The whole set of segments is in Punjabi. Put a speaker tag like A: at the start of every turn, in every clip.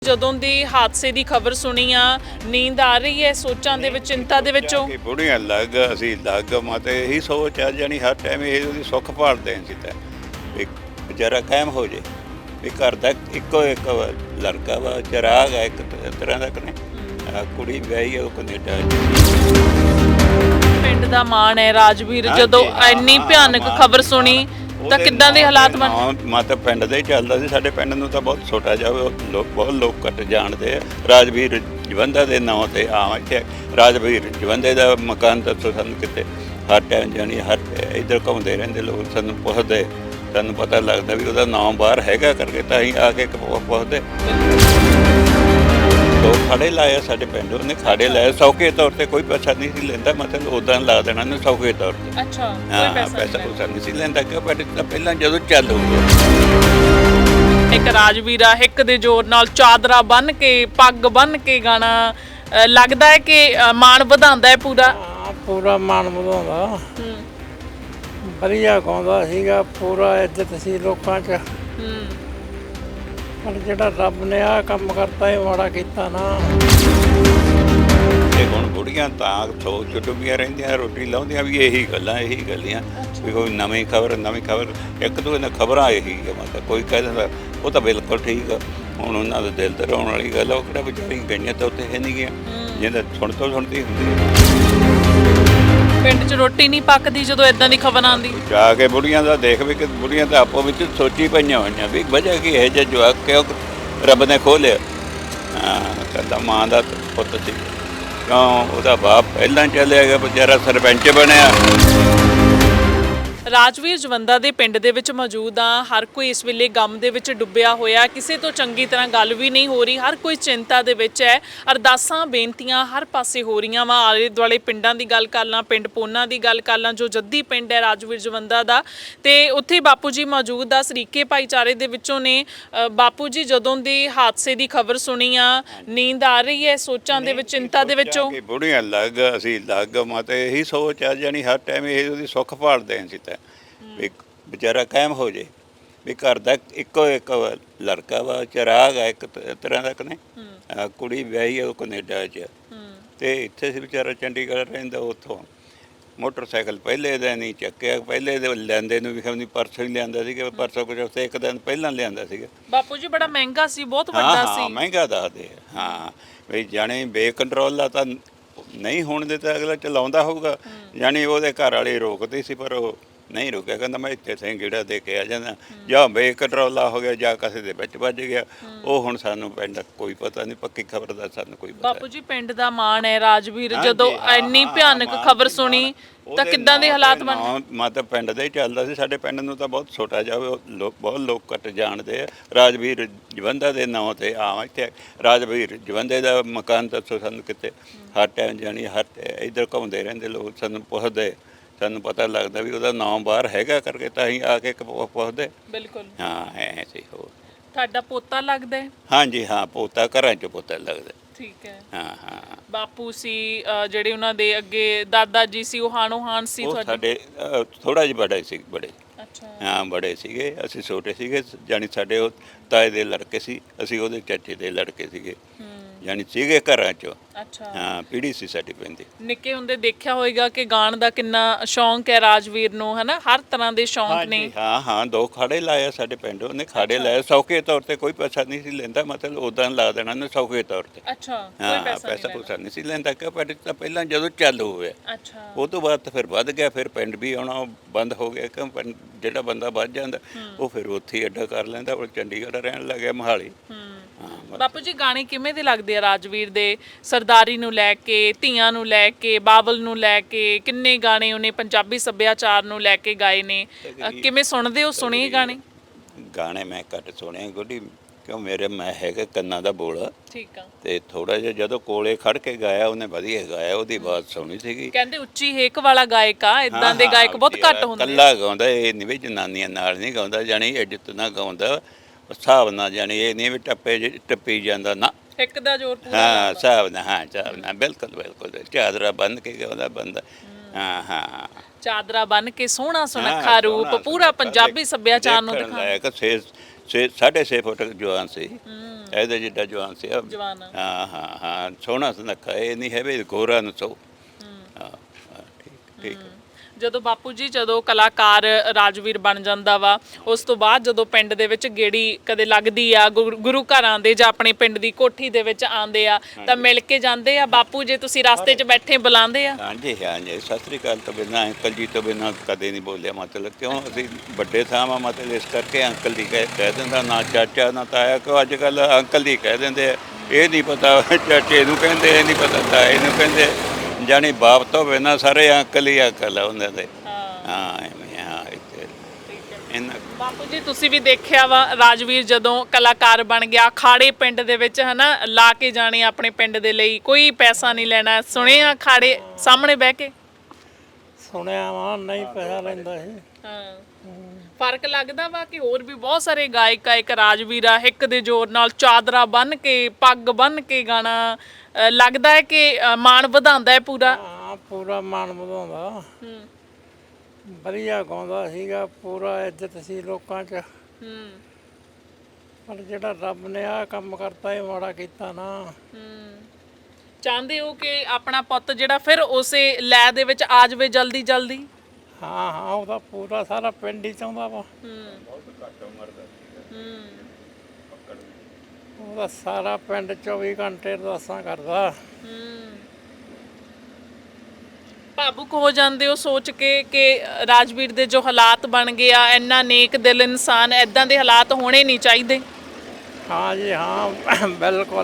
A: ਜਦੋਂ ਦੀ ਹਾਦਸੇ ਦੀ ਖਬਰ ਸੁਣੀ ਆ ਨੀਂਦ ਆ ਰਹੀ ਹੈ ਸੋਚਾਂ ਦੇ ਵਿੱਚ ਚਿੰਤਾ ਦੇ ਵਿੱਚੋਂ
B: ਕਿ ਬੁੜੀਆਂ ਲੱਗ ਅਸੀਂ ਲੱਗ ਮਾਤੇ ਇਹੀ ਸੋਚ ਆ ਜਾਣੀ ਹਰ ਟਾਈਮ ਇਹ ਉਹਦੀ ਸੁੱਖ ਭਾਲਦੇ ਸੀ ਤਾਂ ਵੀ ਵਿਚਾਰਾ ਕਾਇਮ ਹੋ ਜੇ ਵੀ ਘਰ ਦਾ ਇੱਕੋ ਇੱਕ ਲੜਕਾ ਵਾ ਚਿਰਾਗ ਹੈ ਇੱਕ ਤਰ੍ਹਾਂ ਦਾ ਕਨੇ ਕੁੜੀ ਵਿਆਹੀ ਆ ਉਹ ਕੈਨੇਡਾ
A: ਪਿੰਡ ਦਾ ਮਾਣ ਹੈ ਰਾਜਵੀਰ ਜਦੋਂ ਇੰਨੀ ਭਿਆਨਕ ਖਬਰ ਸੁਣੀ ਤਾਂ ਕਿੱਦਾਂ ਦੇ ਹਾਲਾਤ ਬਣ
B: ਮਾਤਾ ਪਿੰਡ ਦੇ ਹੀ ਚੱਲਦਾ ਸੀ ਸਾਡੇ ਪਿੰਡ ਨੂੰ ਤਾਂ ਬਹੁਤ ਛੋਟਾ ਜਿਹਾ ਲੋਕ ਬਹੁਤ ਲੋਕ ਘੱਟ ਜਾਣਦੇ ਆ ਰਾਜਵੀਰ ਜਵੰਦਾ ਦੇ ਨਾਂ ਤੇ ਇੱਥੇ ਰਾਜਵੀਰ ਜਵੰਦੇ ਦਾ ਮਕਾਨ ਦੱਸੋ ਸਾਨੂੰ ਕਿਤੇ ਹਰ ਟਾਈਮ ਜਾਣੀ ਹਰ ਇੱਧਰ ਘੁੰਮਦੇ ਰਹਿੰਦੇ ਲੋਕ ਸਾਨੂੰ ਪੁੱਛਦੇ ਸਾਨੂੰ ਪਤਾ ਲੱਗਦਾ ਵੀ ਉਹਦਾ ਨਾਮ ਬਾਹਰ ਹੈਗਾ ਕਰਕੇ ਤਾਂ ਅਸੀਂ ਆ ਕੇ ਪੁੱਛਦੇ ਦੋ ਖਾੜੇ ਲਾਏ ਸਾਡੇ ਪਿੰਡ ਉਹਨੇ ਖਾੜੇ ਲਾਏ ਸੌਖੇ ਤੌਰ ਤੇ ਕੋਈ ਪੈਸਾ ਨਹੀਂ ਸੀ ਲੈਂਦਾ ਮਤਲਬ ਉਦਾਂ ਲਾ ਦੇਣਾ ਨੇ ਸੌਖੇ ਤੌਰ ਤੇ
A: ਅੱਛਾ
B: ਹਾਂ ਪੈਸਾ ਨਹੀਂ ਸੀ ਲੈਂਦਾ ਕਿ ਪਹਿਲਾਂ ਜਦੋਂ ਚੱਲ ਹੋਊਗਾ
A: ਇੱਕ ਰਾਜਵੀਰਾ ਹਿੱਕ ਦੇ ਜ਼ੋਰ ਨਾਲ ਚਾਦਰਾ ਬੰਨ ਕੇ ਪੱਗ ਬੰਨ ਕੇ ਗਾਣਾ ਲੱਗਦਾ ਹੈ ਕਿ ਮਾਣ ਵਧਾਉਂਦਾ ਹੈ
C: ਪੂਰਾ ਮਾਣ ਵਧਾਉਂਦਾ ਵਧੀਆ ਗਾਉਂਦਾ ਸੀਗਾ ਪੂਰਾ ਇੱਜ਼ਤ ਸੀ ਲੋਕਾਂ 'ਚ ਪਰ ਜਿਹੜਾ ਰੱਬ ਨੇ ਆਹ ਕੰਮ ਕਰਤਾ ਇਹ ਮਾੜਾ ਕੀਤਾ ਨਾ
B: ਤੇ ਹੁਣ ਬੁੜੀਆਂ ਤਾਂ ਸੋਚ ਡੁੱਬੀਆਂ ਰਹਿੰਦੀਆਂ ਰੋਟੀ ਲਾਉਂਦੀਆਂ ਵੀ ਇਹੀ ਗੱਲਾਂ ਵੀ ਕੋਈ ਨਵੀਂ ਖਬਰ ਇੱਕ ਦੋ ਇਹਨਾਂ ਖਬਰਾਂ ਇਹੀ ਹੈ ਮਤਲਬ ਕੋਈ ਕਹਿ ਦਿੰਦਾ ਉਹ ਤਾਂ ਬਿਲਕੁਲ ਠੀਕ ਆ ਹੁਣ ਉਹਨਾਂ ਦੇ ਦਿਲ ਤੇ ਰੋਣ ਵਾਲੀ ਗੱਲ ਉਹ ਕਿਹੜਾ ਵਿਚਾਰੀਆਂ ਗਈਆਂ ਤਾਂ ਉੱਥੇ ਹੈ ਨਹੀਂ ਗਿਆ ਜਿਹਦਾ ਸੁਣਦੀ ਹੁੰਦੀ
A: ਪਿੰਡ 'ਚ ਰੋਟੀ ਨਹੀਂ ਪੱਕਦੀ ਜਦੋਂ ਇਦਾਂ ਦੀ ਖਬਰ ਆਉਂਦੀ
B: ਜਾ ਕੇ ਬੁੜੀਆਂ ਦਾ ਦੇਖ ਵੀ ਕਿ ਬੁੜੀਆਂ ਤਾਂ ਆਪੋ ਵਿੱਚ ਸੋਚੀ ਪਈਆਂ ਹੋਈਆਂ ਵੀ ਵਜ੍ਹਾ ਕੀ ਹੈ ਜੇ ਜਵਾਕ ਕਿਉਂ ਰੱਬ ਨੇ ਖੋਲਿਆ ਕਹਿੰਦਾ ਮਾਂ ਦਾ ਪੁੱਤ ਸੀ ਕਿਉਂ ਉਹਦਾ ਬਾਪ ਪਹਿਲਾਂ ਚੱਲਿਆ ਗਿਆ ਵਿਚਾਰਾ ਸਰਪੰਚ ਬਣਿਆ
A: ਰਾਜਵੀਰ ਜਵੰਦਾ ਦੇ ਪਿੰਡ ਦੇ ਵਿੱਚ ਮੌਜੂਦ ਆ ਹਰ ਕੋਈ ਇਸ ਵੇਲੇ ਗਮ ਦੇ ਵਿੱਚ ਡੁੱਬਿਆ ਹੋਇਆ ਕਿਸੇ ਤੋਂ ਚੰਗੀ ਤਰ੍ਹਾਂ ਗੱਲ ਵੀ ਨਹੀਂ ਹੋ ਰਹੀ ਹਰ ਕੋਈ ਚਿੰਤਾ ਦੇ ਵਿੱਚ ਹੈ ਅਰਦਾਸਾਂ ਬੇਨਤੀਆਂ ਹਰ ਪਾਸੇ ਹੋ ਰਹੀਆਂ ਵਾ ਆਲੇ ਦੁਆਲੇ ਪਿੰਡਾਂ ਦੀ ਗੱਲ ਕਰ ਲਾਂ ਪਿੰਡ ਪੋਨਾ ਦੀ ਗੱਲ ਕਰ ਲਾਂ ਜੋ ਜੱਦੀ ਪਿੰਡ ਹੈ ਰਾਜਵੀਰ ਜਵੰਦਾ ਦਾ ਤੇ ਉੱਥੇ ਬਾਪੂ ਜੀ ਮੌਜੂਦ ਆ ਸਰੀਕੇ ਭਾਈਚਾਰੇ ਦੇ ਵਿੱਚੋਂ ਨੇ ਬਾਪੂ ਜੀ ਜਦੋਂ ਦੀ ਹਾਦਸੇ ਦੀ ਖਬਰ ਸੁਣੀ ਆ ਨੀਂਦ ਆ ਰਹੀ ਹੈ ਸੋਚਾਂ ਦੇ ਵਿੱਚ ਚਿੰਤਾ ਦੇ ਵਿੱਚੋਂ
B: ਬੁੜੀਆਂ ਲੱਗ ਅਸੀਂ ਲੱਗ ਮਾਤੇ ਇਹੀ ਸੋਚ ਆ ਜਾਣੀ ਹਰ ਟਾਈਮ ਇਹ ਉਹਦੀ ਸੁੱਖ ਭਾਲਦੇ ਸੀ ਤਾਂ ਵੀ ਵਿਚਾਰਾ ਕਾਇਮ ਹੋ ਜੇ ਵੀ ਘਰ ਦਾ ਇੱਕੋ ਇੱਕ ਲੜਕਾ ਵਾ ਚਿਰਾਗ ਹੈ ਇੱਕ ਤਰ੍ਹਾਂ ਦਾ ਕਨੇ ਕੁੜੀ ਵਿਆਹੀ ਆ ਉਹ ਕੈਨੇਡਾ 'ਚ ਤੇ ਇੱਥੇ ਸੀ ਵਿਚਾਰਾ ਚੰਡੀਗੜ੍ਹ ਰਹਿੰਦਾ ਉੱਥੋਂ ਮੋਟਰਸਾਈਕਲ ਪਹਿਲੇ ਦਿਨ ਨਹੀਂ ਚੱਕਿਆ ਪਹਿਲੇ ਦੇ ਲੈਂਦੇ ਨੂੰ ਵੀ ਖਮਨੀ ਪਰਸੋਂ ਹੀ ਲਿਆਂਦਾ ਸੀਗਾ ਪਰਸੋਂ ਕੁਝ ਉੱਥੇ ਇੱਕ ਦਿਨ ਪਹਿਲਾਂ ਲਿਆਂਦਾ ਸੀਗਾ
A: ਬਾਪੂ ਜੀ ਬੜਾ ਮਹਿੰਗਾ ਸੀ ਬਹੁਤ ਵੱਡਾ ਸੀ
B: ਮਹਿੰਗਾ ਦੱਸਦੇ ਹਾਂ ਵੀ ਜਾਣੀ ਬੇਕੰਟਰੋਲ ਦਾ ਤਾਂ ਨਹੀਂ ਹੋਣ ਦਿੱਤਾ ਅਗਲਾ ਚਲਾਉਂਦਾ ਹੋਊਗਾ ਜਾਣੀ ਉਹਦੇ ਘਰ ਵਾਲੇ ਰੋਕਦੇ ਸੀ ਪਰ ਉਹ ਨਹੀਂ ਰੁਕਿਆ ਕਹਿੰਦਾ ਮੈਂ ਇੱਥੇ ਸੇ ਗੇੜਾ ਦੇ ਕੇ ਆ ਜਾਂਦਾ ਜਾਂ ਬੇਕੰਟਰੋਲਾ ਹੋ ਗਿਆ ਜਾਂ ਕਿਸੇ ਦੇ ਵਿੱਚ ਵੱਜ ਗਿਆ ਉਹ ਹੁਣ ਸਾਨੂੰ ਪਿੰਡ ਕੋਈ ਪਤਾ ਨਹੀਂ ਪੱਕੀ ਖਬਰ ਦਾ ਸਾਨੂੰ ਕੋਈ ਪਤਾ
A: ਬਾਪੂ ਜੀ ਪਿੰਡ ਦਾ ਮਾਣ ਹੈ ਰਾਜਵੀਰ ਜਦੋਂ ਇੰਨੀ ਭਿਆਨਕ ਖਬਰ ਸੁਣੀ ਤਾਂ ਕਿੱਦਾਂ ਦੇ ਹਾਲਾਤ ਬਣ
B: ਮਾਤਾ ਪਿੰਡ ਦੇ ਹੀ ਚੱਲਦਾ ਸੀ ਸਾਡੇ ਪਿੰਡ ਨੂੰ ਤਾਂ ਬਹੁਤ ਛੋਟਾ ਜਿਹਾ ਬਹੁਤ ਲੋਕ ਘੱਟ ਜਾਣਦੇ ਆ ਰਾਜਵੀਰ ਜਵੰਦਾ ਦੇ ਨਾਂ ਤੇ ਇੱਥੇ ਰਾਜਵੀਰ ਜਵੰਦੇ ਦਾ ਮਕਾਨ ਦੱਸੋ ਸਾਨੂੰ ਕਿਤੇ ਹਰ ਟਾਈਮ ਜਾਣੀ ਇੱਧਰ ਘੁੰਮਦੇ ਰਹਿੰਦੇ ਲੋਕ ਸਾਨੂੰ ਪੁੱਛਦੇ ਸਾਨੂੰ ਪਤਾ ਲੱਗਦਾ ਵੀ ਉਹਦਾ ਨਾਮ ਬਾਹਰ ਹੈਗਾ ਕਰਕੇ ਤਾਂ ਅਸੀਂ ਆ ਕੇ ਪੁੱਛਦੇ
A: ਬਿਲਕੁਲ
B: ਹਾਂ ਐ ਸੀ ਹੋਰ
A: ਤੁਹਾਡਾ ਪੋਤਾ ਲੱਗਦਾ ਹੈ
B: ਹਾਂਜੀ ਹਾਂ ਪੋਤਾ ਘਰਾਂ 'ਚ ਪੋਤਾ ਲੱਗਦਾ
A: ਠੀਕ ਹੈ
B: ਹਾਂ
A: ਬਾਪੂ ਸੀ ਜਿਹੜੇ ਉਹਨਾਂ ਦੇ ਅੱਗੇ ਦਾਦਾ ਜੀ ਸੀ ਉਹ ਹਾਣੋ ਹਾਣ ਸੀ
B: ਤੁਹਾਡੇ ਸਾਡੇ ਥੋੜਾ ਜਿਹਾ ਬੜੇ
A: ਅੱਛਾ ਹਾਂ
B: ਬੜੇ ਸੀਗੇ ਅਸੀਂ ਛੋਟੇ ਸੀਗੇ ਜਾਣੀ ਸਾਡੇ ਉਹ ਤਾਏ ਦੇ ਲੜਕੇ ਸੀ ਅਸੀਂ ਉਹਦੇ ਚਾਚੇ ਦੇ ਲੜਕੇ ਸੀਗੇ ਜਾਣੀ ਸੀਗੇ ਘਰਾਂ 'ਚ
A: ਅੱਛਾ
B: ਹਾਂ ਪੀੜੀ ਸੀ ਸਾਡੀ ਪੈਂਦੀ
A: ਨਿੱਕੇ ਹੁੰਦੇ ਦੇਖਿਆ ਹੋਵੇਗਾ ਕਿ ਗਾਣ ਦਾ ਕਿੰਨਾ ਸ਼ੌਂਕ ਹੈ ਰਾਜਵੀਰ ਨੂੰ ਹਨਾ ਹਰ ਤਰ੍ਹਾਂ ਦੇ ਸ਼ੌਂਕ ਨੇ
B: ਹਾਂ ਦੋ ਖਾੜੇ ਲਾਏ ਸਾਡੇ ਪਿੰਡ ਉਹਨੇ ਖਾੜੇ ਲਾਏ ਸੌਖੇ ਤੌਰ ਤੇ ਕੋਈ ਪੈਸਾ ਨਹੀਂ ਸੀ ਲੈਂਦਾ ਮਤਲਬ ਉਦਾਂ ਲਾ ਦੇਣਾ ਨੇ ਸੌਖੇ ਤੌਰ ਤੇ
A: ਅੱਛਾ
B: ਹਾਂ ਪੈਸਾ ਨਹੀਂ ਸੀ ਲੈਂਦਾ ਕਿ ਪਹਿਲਾਂ ਜਦੋਂ ਚੱਲ ਹੋਇਆ
A: ਅੱਛਾ ਉਹ
B: ਤੋਂ ਬਾਅਦ ਫਿਰ ਵੱਧ ਗਿਆ ਫਿਰ ਪਿੰਡ ਵੀ ਆਉਣਾ ਬੰਦ ਹੋ ਗਿਆ ਕਿ ਜਿਹੜਾ ਬੰਦਾ ਵੱਧ ਜਾਂਦਾ ਉਹ ਫਿਰ ਉੱਥੇ ਹੀ ਅੱਡਾ ਕਰ ਲੈਂਦਾ ਉਹ ਚੰਡੀਗੜ੍ਹ ਰਹਿਣ ਲੱਗਿਆ ਮੋਹਾਲੀ
A: ਬਾਪੂ ਜੀ ਗਾਣੇ ਕਿਵੇਂ ਦੇ ਲੱਗਦੇ ਆ ਰਾਜਵੀਰ ਦੇ ਸਰਦਾਰੀ ਨੂੰ ਲੈ ਕੇ ਧੀਆਂ ਨੂੰ ਲੈ ਕੇ ਬਾਬਲ ਨੂੰ ਲੈ ਕੇ ਕਿੰਨੇ ਗਾਣੇ ਉਹਨੇ ਪੰਜਾਬੀ ਸੱਭਿਆਚਾਰ ਨੂੰ ਲੈ ਕੇ ਗਾਏ ਨੇ ਕਿਵੇਂ ਸੁਣਦੇ ਹੋ ਸੁਣੇ
B: ਗਾਣੇ ਮੈਂ ਘੱਟ ਸੁਣੇ ਗੁੱਡੀ ਕਿਉਂ ਮੇਰੇ ਮੈਂ ਹੈਗਾ ਕੰਨਾਂ ਦਾ ਬੋਲ
A: ਠੀਕ ਆ
B: ਤੇ ਥੋੜਾ ਜਿਹਾ ਜਦੋਂ ਕੋਲੇ ਖੜ ਕੇ ਗਾਇਆ ਉਹਨੇ ਵਧੀਆ ਗਾਇਆ ਉਹਦੀ ਆਵਾਜ਼ ਸੋਹਣੀ ਸੀਗੀ
A: ਕਹਿੰਦੇ ਉੱਚੀ ਹੇਕ ਵਾਲਾ ਗਾਇਕ ਆ ਇਦਾਂ ਦੇ ਗਾਇਕ ਬਹੁਤ ਘੱਟ ਹੁੰਦੇ
B: ਕੱਲਾ ਗਾਉਂਦਾ ਇਹ ਨਹੀਂ ਵੀ ਜਨਾਨੀਆਂ ਨਾਲ ਨਹੀਂ ਗਾਉਂਦਾ ਜਾਣੀ ਇੱਜ਼ਤ ਨਾਲ ਗਾਉਂਦਾ ਹਿਸਾਬ ਨਾਲ ਜਾਣੀ ਇਹ ਨਹੀਂ ਵੀ ਟੱਪੀ ਜਾਂਦਾ ਨਾ
A: ਇੱਕ ਦਾ ਜ਼ੋਰ ਪੂਰਾ
B: ਹਾਂ ਹਿਸਾਬ ਨਾਲ ਬਿਲਕੁਲ ਚਾਦਰਾ ਬੰਨ ਕੇ ਗਾਉਂਦਾ ਬੰਦਾ ਹਾਂ
A: ਚਾਦਰਾ ਬੰਨ ਕੇ ਸੋਹਣਾ ਸੁਨੱਖਾ ਰੂਪ ਪੂਰਾ ਪੰਜਾਬੀ ਸੱਭਿਆਚਾਰ ਨੂੰ ਦਿਖਾਉਂਦਾ
B: ਸਾਢੇ 6 ਫੁੱਟ ਜਵਾਨ ਸੀ, ਇਹਦੇ ਜਿੱਡਾ ਜਵਾਨ ਸੀ।
A: ਜਵਾਨ
B: ਹਾਂ ਹਾਂ ਹਾਂ, ਸੋਹਣਾ ਸੁਨੱਖਾ, ਇਹ ਨਹੀਂ ਹੈ ਵੀ ਗੋਰਾ ਨੂੰ ਸੋ। ਹਾਂ ਹਾਂ, ਠੀਕ ਠੀਕ।
A: ਜਦੋਂ ਬਾਪੂ ਜੀ ਜਦੋਂ ਕਲਾਕਾਰ ਰਾਜਵੀਰ ਬਣ ਜਾਂਦਾ ਵਾ, ਉਸ ਤੋਂ ਬਾਅਦ ਜਦੋਂ ਪਿੰਡ ਦੇ ਵਿੱਚ ਗੇੜੀ ਕਦੇ ਲੱਗਦੀ ਆ, ਗੁਰੂ ਘਰਾਂ ਦੇ ਜਾਂ ਆਪਣੇ ਪਿੰਡ ਦੀ ਕੋਠੀ ਦੇ ਵਿੱਚ ਆਉਂਦੇ ਆ ਤਾਂ ਮਿਲ ਕੇ ਜਾਂਦੇ ਆ ਬਾਪੂ, ਜੇ ਤੁਸੀਂ ਰਸਤੇ 'ਚ ਬੈਠੇ ਬੁਲਾਉਂਦੇ ਆ?
B: ਹਾਂਜੀ ਹਾਂਜੀ, ਸਤਿ ਸ੍ਰੀ ਅਕਾਲ ਤੋਂ ਬਿਨਾਂ, ਅੰਕਲ ਜੀ ਤੋਂ ਬਿਨਾਂ ਕਦੇ ਨਹੀਂ ਬੋਲਿਆ। ਮਤਲਬ ਕਿਉਂ, ਅਸੀਂ ਵੱਡੇ ਥਾਂ ਵਾ, ਮਤਲਬ ਇਸ ਕਰਕੇ ਅੰਕਲ ਜੀ ਕਹਿ ਦਿੰਦਾ, ਨਾ ਚਾਚਾ ਨਾ ਤਾਇਆ। ਕਿਉਂ ਅੱਜ ਕੱਲ੍ਹ ਅੰਕਲ ਜੀ ਕਹਿ ਦਿੰਦੇ ਆ, ਇਹ ਨਹੀਂ ਪਤਾ ਚਾਚੇ ਨੂੰ ਕਹਿੰਦੇ, ਇਹ ਨਹੀਂ ਪਤਾ ਤਾਏ ਨੂੰ ਕਹਿੰਦੇ, ਜਾਣੀ ਬਾਪ ਤੋਂ ਬਿਨਾਂ ਸਾਰੇ ਅੰਕਲ ਹੀ ਅੰਕਲ ਆ ਉਹਨਾਂ ਦੇ। ਹਾਂ ਐਵੇਂ, ਹਾਂ ਇੱਥੇ ਇਹਨਾਂ।
A: ਬਾਪੂ ਜੀ ਤੁਸੀਂ ਵੀ ਦੇਖਿਆ ਵਾ, ਰਾਜਵੀਰ ਜਦੋਂ ਕਲਾਕਾਰ ਬਣ ਗਿਆ, ਖਾੜੇ ਪਿੰਡ ਦੇ ਵਿੱਚ ਹਨਾ ਲਾ ਕੇ ਜਾਣੇ ਆਪਣੇ ਪਿੰਡ ਦੇ ਲਈ, ਕੋਈ ਪੈਸਾ ਨਹੀਂ ਲੈਣਾ। ਸੁਣਿਆ ਖਾੜੇ ਸਾਹਮਣੇ ਬਹਿ ਕੇ?
C: ਸੁਣਿਆ ਵਾ, ਨਹੀਂ ਪੈਸਾ ਲੈਂਦਾ ਸੀ।
A: ਹਾਂ, ਫਰਕ ਲੱਗਦਾ ਵਾ ਕਿ ਹੋਰ ਵੀ ਬਹੁਤ ਸਾਰੇ ਗਾਇਕ ਆ, ਇੱਕ ਰਾਜਵੀਰ ਆ, ਹਿੱਕ ਦੇ ਜ਼ੋਰ ਨਾਲ ਚਾਦਰਾ ਬੰਨ੍ਹ ਕੇ, ਪੱਗ ਬੰਨ੍ਹ ਕੇ ਗਾਣਾ ਲੱਗਦਾ ਹੈ ਕਿ ਮਾਣ ਵਧਾਉਂਦਾ ਹੈ ਪੂਰਾ?
C: ਹਾਂ, ਪੂਰਾ ਮਾਣ ਵਧਾਉਂਦਾ। ਵਧੀਆ ਗਾਉਂਦਾ ਸੀਗਾ, ਪੂਰਾ ਇੱਜ਼ਤ ਸੀ ਲੋਕਾਂ 'ਚ। ਪਰ ਜਿਹੜਾ ਰੱਬ ਨੇ ਆਹ ਕੰਮ ਕਰਤਾ, ਇਹ ਮਾੜਾ ਕੀਤਾ ਨਾ।
A: ਚਾਹੁੰਦੇ ਹੋ ਕਿ ਆਪਣਾ ਪੁੱਤ ਜਿਹੜਾ ਫਿਰ ਉਸੇ ਲੈ ਦੇ ਵਿੱਚ ਆ ਜਾਵੇ ਜਲਦੀ ਜਲਦੀ?
C: ਹਾਂ ਹਾਂ, ਉਹਦਾ ਪੂਰਾ ਸਾਰਾ ਪਿੰਡ ਹੀ ਚਾਹੁੰਦਾ ਵਾ। ਉਹਦਾ ਸਾਰਾ ਪਿੰਡ 24 ਘੰਟੇ ਅਰਦਾਸਾਂ ਕਰਦਾ।
A: ਭਾਵੁਕ ਹੋ ਜਾਂਦੇ ਹੋ ਸੋਚ ਕੇ ਕਿ ਰਾਜਵੀਰ ਦੇ ਜੋ ਹਾਲਾਤ ਬਣ ਗਏ ਆ, ਇੰਨਾ ਨੇਕ ਦਿਲ ਇਨਸਾਨ, ਐਦਾਂ ਦੇ ਹਾਲਾਤ ਹੋਣੇ ਨਹੀਂ ਚਾਹੀਦੇ?
C: ਹਾਂ ਜੀ ਹਾਂ, ਬਿਲਕੁਲ।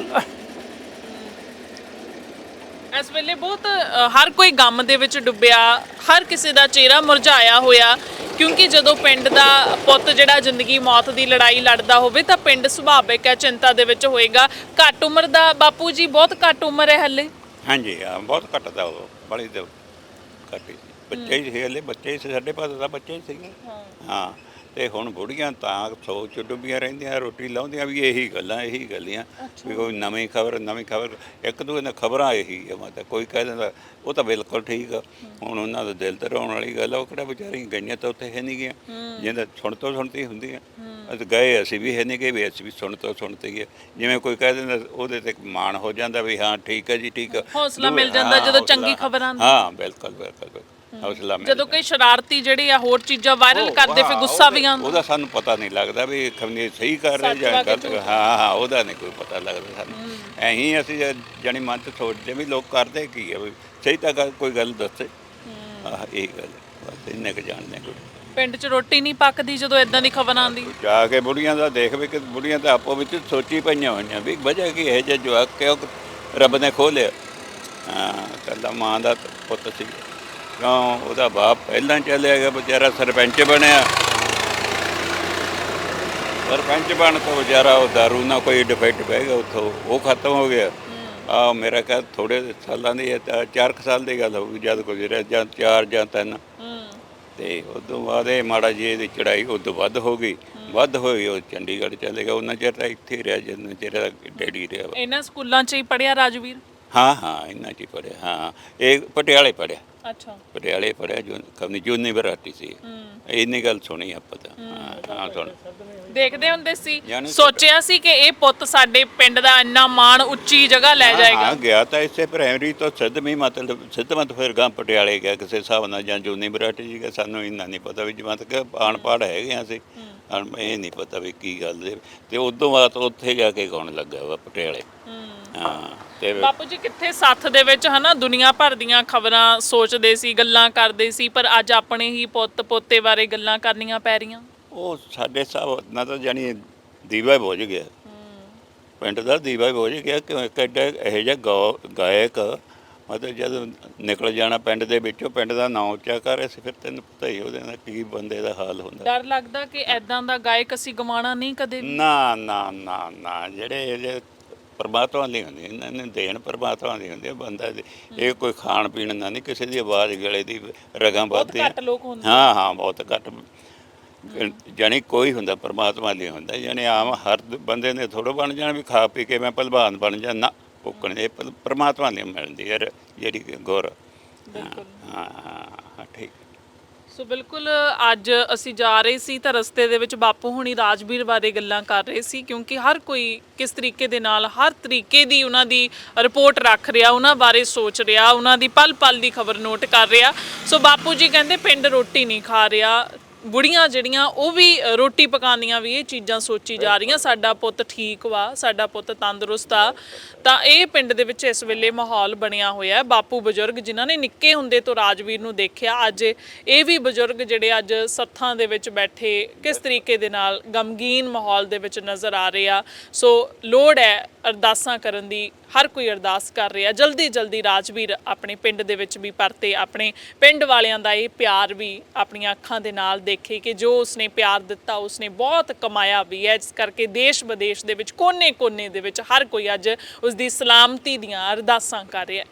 A: ਇਸ ਵੇਲੇ ਬਹੁਤ ਹਰ ਕੋਈ ਗਮ ਦੇ ਵਿੱਚ ਡੁੱਬਿਆ, ਹਰ ਕਿਸੇ ਦਾ ਚਿਹਰਾ ਮੁਰਝਾਇਆ ਹੋਇਆ, ਕਿਉਂਕਿ ਜਦੋਂ ਪਿੰਡ ਦਾ ਪੁੱਤ ਜਿਹੜਾ ਜ਼ਿੰਦਗੀ ਮੌਤ ਦੀ ਲੜਾਈ ਲੜਦਾ ਹੋਵੇ ਤਾਂ ਪਿੰਡ ਸੁਭਾਵਿਕ ਹੈ ਚਿੰਤਾ ਦੇ ਵਿੱਚ ਹੋਏਗਾ। ਘੱਟ ਉਮਰ ਦਾ ਬਾਪੂ ਜੀ, ਬਹੁਤ ਘੱਟ ਉਮਰ ਹੈ ਹਲੇ?
B: ਹਾਂਜੀ ਹਾਂ, ਬਹੁਤ ਘੱਟ ਦਾ, ਉਹ ਬੜੀ ਦੇ ਘੱਟ ਹੀ ਸੀ, ਬੱਚੇ ਹੀ ਸੀ ਹਲੇ, ਬੱਚੇ ਹੀ ਸੀ, ਸਾਡੇ ਪਾਸ ਦਾ ਬੱਚੇ ਹੀ ਸੀਗੇ। ਹਾਂ, ਤੇ ਹੁਣ ਬੁੜੀਆਂ ਤਾਂ ਸੋਚ ਡੁੱਬੀਆਂ ਰਹਿੰਦੀਆਂ, ਰੋਟੀ ਲਾਉਂਦੀਆਂ ਵੀ ਇਹੀ ਗੱਲਾਂ ਵੀ ਕੋਈ ਨਵੀਂ ਖਬਰ ਇੱਕ ਦੂਜੇ ਨਾਲ ਖਬਰਾਂ ਇਹੀ ਹੈ। ਮਤਲਬ ਕੋਈ ਕਹਿ ਦਿੰਦਾ ਉਹ ਤਾਂ ਬਿਲਕੁਲ ਠੀਕ ਆ, ਹੁਣ ਉਹਨਾਂ ਦਾ ਦਿਲ ਤੇ ਰੋਣ ਵਾਲੀ ਗੱਲ ਆ। ਉਹ ਕਿਹੜਾ ਵਿਚਾਰੀਆਂ ਗਈਆਂ ਤਾਂ ਉੱਥੇ ਹੈ ਨਹੀਂ ਗਈਆਂ, ਜਿਹਦਾ ਸੁਣ ਤੋਂ ਸੁਣਤੀ ਹੁੰਦੀ ਆ। ਅਸੀਂ ਗਏ, ਅਸੀਂ ਵੀ ਹੈ ਨਹੀਂ ਗਏ, ਵੀ ਅਸੀਂ ਵੀ ਸੁਣ ਤੋਂ ਸੁਣਤੀ ਹੈ। ਜਿਵੇਂ ਕੋਈ ਕਹਿ ਦਿੰਦਾ ਉਹਦੇ ਤੇ ਮਾਣ ਹੋ ਜਾਂਦਾ ਵੀ ਹਾਂ ਠੀਕ ਹੈ ਜੀ, ਠੀਕ ਆ,
A: ਹੌਸਲਾ ਮਿਲ ਜਾਂਦਾ ਜਦੋਂ ਚੰਗੀ ਖਬਰ ਆਉਂਦੀ।
B: ਹਾਂ ਬਿਲਕੁਲ ਬਿਲਕੁਲ, ਹੌਸਲਾ ਮਿਲ
A: ਜਦੋਂ ਕਈ ਸ਼ਰਾਰਤੀ ਜਿਹੜੇ ਆ ਹੋਰ ਚੀਜ਼ਾਂ ਵਾਇਰਲ ਕਰਦੇ ਫਿਰ ਗੁੱਸਾ ਵੀ ਆਉਂਦਾ।
B: ਉਹਦਾ ਸਾਨੂੰ ਪਤਾ ਨਹੀਂ ਲੱਗਦਾ ਵੀ ਖਮਨੀ ਸਹੀ ਕਰ ਰਹੇ ਜਾਂ ਗਲਤ। ਹਾਂ ਹਾਂ, ਉਹਦਾ ਨਹੀਂ ਕੋਈ ਪਤਾ ਲੱਗਦਾ ਸਾਨੂੰ। ਐਂ ਅਸੀਂ ਜਾਣੀ ਮਨ 'ਚ ਸੋਚਦੇ ਵੀ ਲੋਕ ਕਰਦੇ ਕੀ ਆ, ਵੀ ਸਹੀ ਤਾਂ ਕੋਈ ਗੱਲ ਦੱਸੇ। ਆਹ ਇਹ ਗੱਲ ਬਸ ਇੰਨੇ ਕੁ ਜਾਣਦੇ ਕੋਈ।
A: ਪਿੰਡ 'ਚ ਰੋਟੀ ਨਹੀਂ ਪੱਕਦੀ ਜਦੋਂ ਇਦਾਂ ਦੀ ਖਬਰ ਆਉਂਦੀ?
B: ਜਾ ਕੇ ਬੁੜੀਆਂ ਦਾ ਦੇਖ ਵੀ ਕਿ ਬੁੜੀਆਂ ਤਾਂ ਆਪੋ ਵਿੱਚ ਸੋਚੀ ਪਈਆਂ ਹੋਈਆਂ ਵੀ ਵਜ੍ਹਾ ਕੀ ਹੈ ਜੇ ਜਵਾਕ ਕਿਉਂ ਰੱਬ ਨੇ ਖੋਲਿਆ। ਹਾਂ, ਕੱਲਾ ਮਾਂ ਦਾ ਪੁੱਤ ਸੀ, ਕਿਉਂ ਉਹਦਾ ਬਾਪ ਪਹਿਲਾਂ ਚੱਲਿਆ ਗਿਆ ਵਿਚਾਰਾ, ਸਰਪੰਚ ਬਣਿਆ। ਸਰਪੰਚ ਬਣ ਤੋਂ ਵਿਚਾਰਾ ਉਹ ਦਾਰੂ ਨਾਲ ਕੋਈ ਡਿਫੈਕਟ ਪੈ ਗਿਆ, ਉੱਥੋਂ ਉਹ ਖਤਮ ਹੋ ਗਿਆ। ਆ ਮੇਰਾ ਕਹਿ ਥੋੜ੍ਹੇ ਸਾਲਾਂ ਦੀ 4 ਸਾਲ ਦੀ ਗੱਲ ਹੋਊਗੀ ਜਦ ਗੁਜ਼ਰਿਆ, ਜਾਂ 4 ਜਾਂ 3। ਤੇ ਉਦੋਂ ਬਾਅਦ ਇਹ ਮਾੜਾ ਜਿਹੀ ਇਹਦੀ ਚੜਾਈ ਉਦੋਂ ਵੱਧ ਹੋ ਗਈ, ਵੱਧ ਹੋਈ, ਉਹ ਚੰਡੀਗੜ੍ਹ ਚਲੇ ਗਿਆ। ਉਹਨਾਂ ਚਿਰ ਤਾਂ ਇੱਥੇ ਹੀ ਰਿਹਾ ਜਿੰਨਾ ਚਿਰ ਡੈਡੀ ਰਿਹਾ।
A: ਇਹਨਾਂ ਸਕੂਲਾਂ 'ਚ ਹੀ ਪੜ੍ਹਿਆ ਰਾਜਵੀਰ?
B: ਹਾਂ ਹਾਂ, ਇਹਨਾਂ 'ਚ ਹੀ ਪੜ੍ਹਿਆ। ਹਾਂ, ਇਹ ਪਟਿਆਲੇ ਪੜ੍ਹਿਆ।
A: ਅੱਛਾ,
B: ਪਟਿਆਲੇ ਪੜ੍ਹਿਆ, ਕਮਨੀ ਯੂਨੀਵਰਸਿਟੀ ਸੀ। ਇੰਨੀ ਗੱਲ ਸੁਣੀ ਆਪਾਂ ਤਾਂ। ਹਾਂ ਸੁਣ
A: ਦੇਖਦੇ ਹੁੰਦੇ ਸੀ, ਸੋਚਿਆ ਸੀ ਕਿ ਇਹ ਪੁੱਤ ਸਾਡੇ ਪਿੰਡ ਦਾ ਇੰਨਾ ਮਾਣ ਉੱਚੀ ਜਗ੍ਹਾ ਲੈ ਜਾਏਗਾ?
B: ਹਾਂ, ਗਿਆ ਤਾਂ ਇਸੇ ਪ੍ਰਾਇਮਰੀ ਤੋਂ ਸਿੱਧਵੀਂ, ਮਤਲਬ ਸਿੱਧਵੰਤ, ਫਿਰ ਗਾਂ ਪਟਿਆਲੇ ਗਿਆ ਕਿਸੇ ਹਿਸਾਬ ਨਾਲ, ਜਾਂ ਯੂਨੀਵਰਸਿਟੀ ਜੀ ਗਿਆ। ਸਾਨੂੰ ਇੰਨਾ ਨਹੀਂ ਪਤਾ ਵੀ ਜਿਵੇਂ ਤੱਕ ਅਨਪੜ੍ਹ ਹੈਗੇ ਅਸੀਂ, ਇਹ ਨਹੀਂ ਪਤਾ ਵੀ ਕੀ ਗੱਲ ਦੇ। ਤੇ ਉਦੋਂ ਬਾਅਦ ਉੱਥੇ ਜਾ ਕੇ ਗਾਉਣ ਲੱਗਾ ਵਾ ਪਟਿਆਲੇ। ਹਾਂ, ਤੇ
A: ਬਾਪੂ ਜੀ ਕਿੱਥੇ ਸੱਥ ਦੇ ਵਿੱਚ ਹਨਾ ਦੁਨੀਆ ਭਰ ਦੀਆਂ ਖਬਰਾਂ ਸੋਚਦੇ ਸੀ, ਗੱਲਾਂ ਕਰਦੇ ਸੀ, ਪਰ ਅੱਜ ਆਪਣੇ ਹੀ ਪੁੱਤ ਪੋਤੇ ਬਾਰੇ ਗੱਲਾਂ ਕਰਨੀਆਂ ਪੈ ਰਹੀਆਂ। ਉਹ
B: ਸਾਡੇ ਹਿਸਾਬ ਨਾਲ ਤਾਂ ਜਾਣੀ ਦੀਵਾ ਹੀ ਬੁਝ ਗਿਆ, ਪਿੰਡ ਦਾ ਦੀਵਾ ਹੀ ਬੁਝ ਗਿਆ। ਕਿਉਂ ਇੱਕ ਐਡਾ ਇਹੋ ਜਿਹਾ ਗਾਇਕ, ਮਤਲਬ ਜਦ ਨਿਕਲ ਜਾਣਾ ਪਿੰਡ ਦੇ ਵਿੱਚੋਂ, ਪਿੰਡ ਦਾ ਨਾਂ ਉੱਚਾ ਕਰ ਰਿਹਾ ਸੀ, ਫਿਰ ਤੈਨੂੰ ਪਤਾ ਹੀ ਉਹਦੇ ਨਾਲ ਕੀ ਬੰਦੇ ਦਾ ਹਾਲ ਹੁੰਦਾ। ਡਰ ਲੱਗਦਾ ਕਿ ਐਦਾਂ ਦਾ ਗਾਇਕ ਅਸੀਂ ਗਵਾਉਣਾ ਨਹੀਂ ਕਦੇ? ਨਾ ਨਾ ਨਾ ਨਾ, ਜਿਹੜੇ ਪਰਮਾਤਮਾ ਦੀ ਹੁੰਦੀ, ਇਹਨਾਂ ਨੇ ਦੇਣ ਪਰਮਾਤਮਾ ਦੀ ਹੁੰਦੀ ਹੈ ਬੰਦਾ ਦੀ। ਇਹ ਕੋਈ ਖਾਣ ਪੀਣ ਦਾ ਨਹੀਂ, ਕਿਸੇ ਦੀ ਆਵਾਜ਼ ਗਲੇ ਦੀ ਰਗਾਂ ਵੱਧਦੀ। ਹਾਂ ਹਾਂ, ਬਹੁਤ ਘੱਟ, ਜਾਣੀ ਕੋਈ ਹੁੰਦਾ ਪਰਮਾਤਮਾ ਲਈ ਹੁੰਦਾ। ਜਾਣੀ ਆਮ ਹਰ ਬੰਦੇ ਨੇ ਥੋੜ੍ਹਾ ਬਣ ਜਾਣਾ ਵੀ ਖਾ ਪੀ ਕੇ ਮੈਂ ਭਲਵਾਨ ਬਣ ਜਾ, ਨਾ ਭੁੱਕਣ ਇਹ ਪਰਮਾਤਮਾ ਲਈ ਮਿਲਦੀ ਯਾਰ ਜਿਹੜੀ ਗੁਰ। ਹਾਂ ਹਾਂ, ਠੀਕ।
A: ਸੋ ਬਿਲਕੁਲ ਅੱਜ ਅਸੀਂ ਜਾ ਰਹੇ ਸੀ ਤਾਂ ਰਸਤੇ ਦੇ ਵਿੱਚ ਬਾਪੂ ਹੁਣੀ ਰਾਜਵੀਰ ਬਾਰੇ ਗੱਲਾਂ ਕਰ ਰਹੇ ਸੀ, ਕਿਉਂਕਿ ਹਰ ਕੋਈ ਕਿਸ ਤਰੀਕੇ ਦੇ ਨਾਲ ਹਰ ਤਰੀਕੇ ਦੀ ਉਹਨਾਂ ਦੀ ਰਿਪੋਰਟ ਰੱਖ ਰਿਹਾ, ਉਹਨਾਂ ਬਾਰੇ ਸੋਚ ਰਿਹਾ, ਉਹਨਾਂ ਦੀ ਪਲ ਪਲ ਦੀ ਖਬਰ ਨੋਟ ਕਰ ਰਿਹਾ। ਸੋ ਬਾਪੂ ਜੀ ਕਹਿੰਦੇ ਪਿੰਡ ਰੋਟੀ ਨਹੀਂ ਖਾ ਰਿਹਾ, ਬੁੜੀਆਂ ਜਿਹੜੀਆਂ ਉਹ ਵੀ ਰੋਟੀ ਪਕਾਉਂਦੀਆਂ ਵੀ ਇਹ ਚੀਜ਼ਾਂ ਸੋਚੀ ਜਾ ਰਹੀਆਂ, ਸਾਡਾ ਪੁੱਤ ਠੀਕ ਵਾ, ਸਾਡਾ ਪੁੱਤ ਤੰਦਰੁਸਤ ਆ। ਤਾਂ ਇਹ ਪਿੰਡ ਦੇ ਵਿੱਚ ਇਸ ਵੇਲੇ ਮਾਹੌਲ ਬਣਿਆ ਹੋਇਆ। ਬਾਪੂ ਬਜ਼ੁਰਗ ਜਿਨ੍ਹਾਂ ਨੇ ਨਿੱਕੇ ਹੁੰਦੇ ਤੋਂ ਰਾਜਵੀਰ ਨੂੰ ਦੇਖਿਆ, ਅੱਜ ਇਹ ਵੀ ਬਜ਼ੁਰਗ ਜਿਹੜੇ ਅੱਜ ਸੱਥਾਂ ਦੇ ਵਿੱਚ ਬੈਠੇ ਕਿਸ ਤਰੀਕੇ ਦੇ ਨਾਲ ਗਮਗੀਨ ਮਾਹੌਲ ਦੇ ਵਿੱਚ ਨਜ਼ਰ ਆ ਰਹੇ ਆ। ਸੋ ਲੋੜ ਹੈ ਅਰਦਾਸਾਂ ਕਰਨ ਦੀ, ਹਰ ਕੋਈ ਅਰਦਾਸ ਕਰ ਰਿਹਾ ਜਲਦੀ ਜਲਦੀ ਰਾਜਵੀਰ ਆਪਣੇ ਪਿੰਡ ਦੇ ਵਿੱਚ ਵੀ ਪਰਤੇ, ਆਪਣੇ ਪਿੰਡ ਵਾਲਿਆਂ ਦਾ ਇਹ ਪਿਆਰ ਵੀ ਆਪਣੀਆਂ ਅੱਖਾਂ ਦੇ ਨਾਲ ਦੇਖੇ ਕਿ ਜੋ ਉਸਨੇ ਪਿਆਰ ਦਿੱਤਾ ਉਸਨੇ ਬਹੁਤ ਕਮਾਇਆ ਵੀ ਹੈ। ਇਸ ਕਰਕੇ ਦੇਸ਼ ਵਿਦੇਸ਼ ਦੇ ਵਿੱਚ ਕੋਨੇ-ਕੋਨੇ ਦੇ ਵਿੱਚ ਹਰ ਕੋਈ ਅੱਜ ਉਸ ਦੀ ਸਲਾਮਤੀ ਦੀਆਂ ਅਰਦਾਸਾਂ ਕਰ ਰਿਹਾ।